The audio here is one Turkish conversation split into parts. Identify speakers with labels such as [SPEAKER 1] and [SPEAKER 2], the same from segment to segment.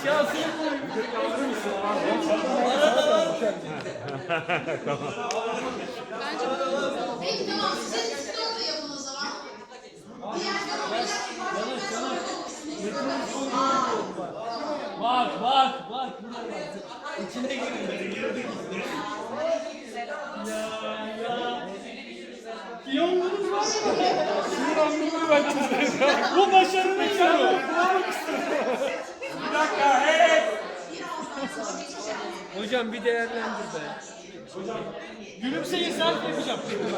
[SPEAKER 1] Aşağısını koy.
[SPEAKER 2] Bence bu. Peki tamam, siz üstte orada yapın o zaman. Diğerler olacak.
[SPEAKER 1] Bak bak bak. İçine girin. Ya. Piyonlarınız var mı? Şunu anlamaya ben bu başarının sonu. Bir dakika. Hey. Hocam bir değerlendir be. Hocam. Gülümseyin selfie yapacağım.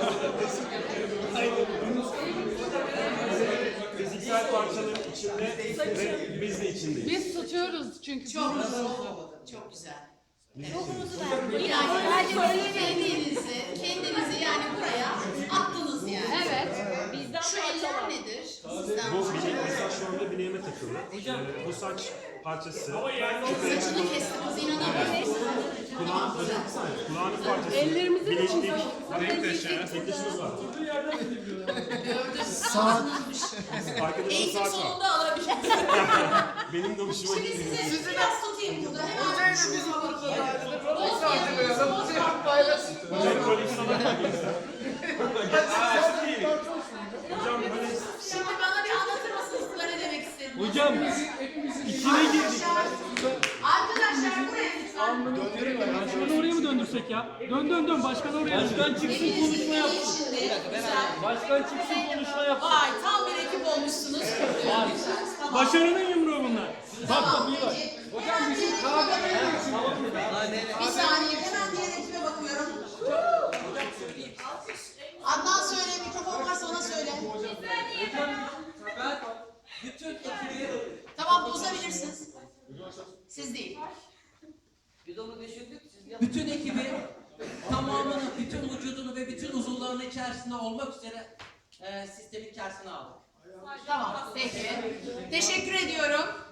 [SPEAKER 3] Fiziksel parçaların içinde ve biz de içindeyiz.
[SPEAKER 4] Biz tutuyoruz çünkü.
[SPEAKER 2] Çok güzel. Evet. Yani kendinizi yani buraya attınız yani.
[SPEAKER 4] Evet.
[SPEAKER 2] Şu eller nedir? Sizden
[SPEAKER 3] Bu bilek mesela şu anda bileğime takılı. Bu saç parçası.
[SPEAKER 2] saçını kesti kız, inanamıyorum.
[SPEAKER 3] Kulağının parçası.
[SPEAKER 4] Ellerimizi de
[SPEAKER 3] Bileklik.
[SPEAKER 2] Gördüm.
[SPEAKER 3] var.
[SPEAKER 2] Saat.
[SPEAKER 3] Arkadaşın
[SPEAKER 2] Eğitim
[SPEAKER 3] saat var.
[SPEAKER 2] sonunda alabilirim.
[SPEAKER 3] Benim de hoşuma
[SPEAKER 2] Şimdi
[SPEAKER 3] gitti.
[SPEAKER 2] size biraz tutayım burada. Hemen şuna bakayım.
[SPEAKER 3] Hocam koleksiyona bakıyorsun. Hocam böyle
[SPEAKER 2] Şimdi bana bir anlatır mısınız? Ne demek istediğini?
[SPEAKER 1] Hocam içine girdik.
[SPEAKER 2] Arkadaşlar buraya lütfen.
[SPEAKER 1] Başkanı oraya mı döndürsek ya? Dön dön dön. Başkan oraya. Başkan çıksın konuşma yapsın. Başkan çıksın konuşma yapsın.
[SPEAKER 2] Vay, tam bir ekip olmuşsunuz. Tamam.
[SPEAKER 1] Başarının yumruğu bunlar. Bak
[SPEAKER 2] Tamam,
[SPEAKER 1] iyi bak.
[SPEAKER 2] peki. Hocam bizim kahve bir saniye, hemen diğer ekibe bakıyorum. Adnan söyle, mikrofon varsa ona söyle. Tamam, bozabilirsiniz. Siz değil.
[SPEAKER 5] Biz onu düşündük. Bütün ekibi tamamını, bütün vücudunu ve bütün uzuvlarını içerisinde olmak üzere sistemin içerisine aldık.
[SPEAKER 2] Tamam, peki. Teşekkür ediyorum.